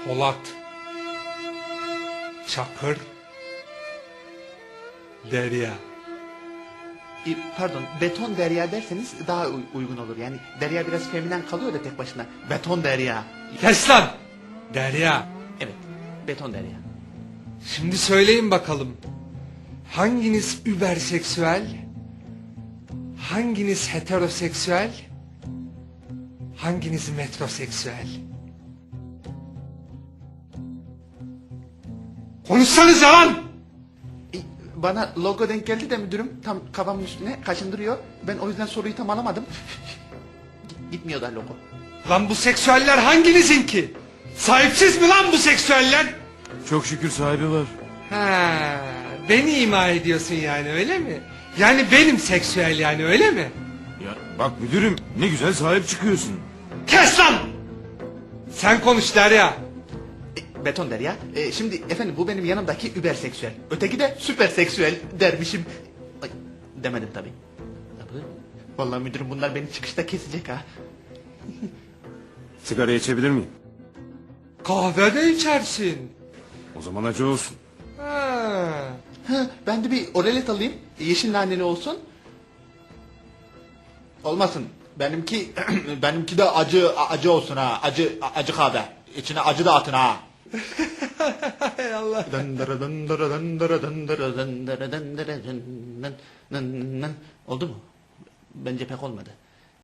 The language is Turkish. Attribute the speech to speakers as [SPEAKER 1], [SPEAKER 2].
[SPEAKER 1] Polat, Çakır, Derya.
[SPEAKER 2] Pardon, beton derya derseniz daha uygun olur. Yani derya biraz feminen kalıyor da tek başına. Beton derya.
[SPEAKER 1] Kes lan! Derya.
[SPEAKER 2] Evet, beton derya.
[SPEAKER 1] Şimdi söyleyin bakalım. Hanginiz überseksüel? Hanginiz heteroseksüel? Hanginiz metroseksüel? Konuşsanıza lan!
[SPEAKER 2] Bana logo denk geldi de müdürüm tam kafamın üstüne kaşındırıyor. Ben o yüzden soruyu tam alamadım. Gitmiyor da logo.
[SPEAKER 1] Lan bu seksüeller hanginizin ki? Sahipsiz mi lan bu seksüeller?
[SPEAKER 3] Çok şükür sahibi var.
[SPEAKER 1] Ha, beni ima ediyorsun yani öyle mi? Yani benim seksüel yani öyle mi?
[SPEAKER 3] Ya bak müdürüm ne güzel sahip çıkıyorsun.
[SPEAKER 1] Kes lan! Sen konuş Derya.
[SPEAKER 2] Beton derya. Şimdi efendim bu benim yanımdaki überseksüel. Öteki de süperseksüel dermişim. Ay, demedim tabii. Vallahi müdürüm bunlar beni çıkışta kesecek ha.
[SPEAKER 3] Sigara içebilir miyim?
[SPEAKER 1] Kahve de içersin.
[SPEAKER 3] O zaman acı olsun.
[SPEAKER 1] Ha.
[SPEAKER 2] Ben de bir oralet alayım. Yeşil naneli olsun. Olmasın. Benimki de acı olsun ha. Acı kahve. İçine acı da atın ha.
[SPEAKER 1] Hay Allah.
[SPEAKER 2] Oldu mu? Bence pek olmadı.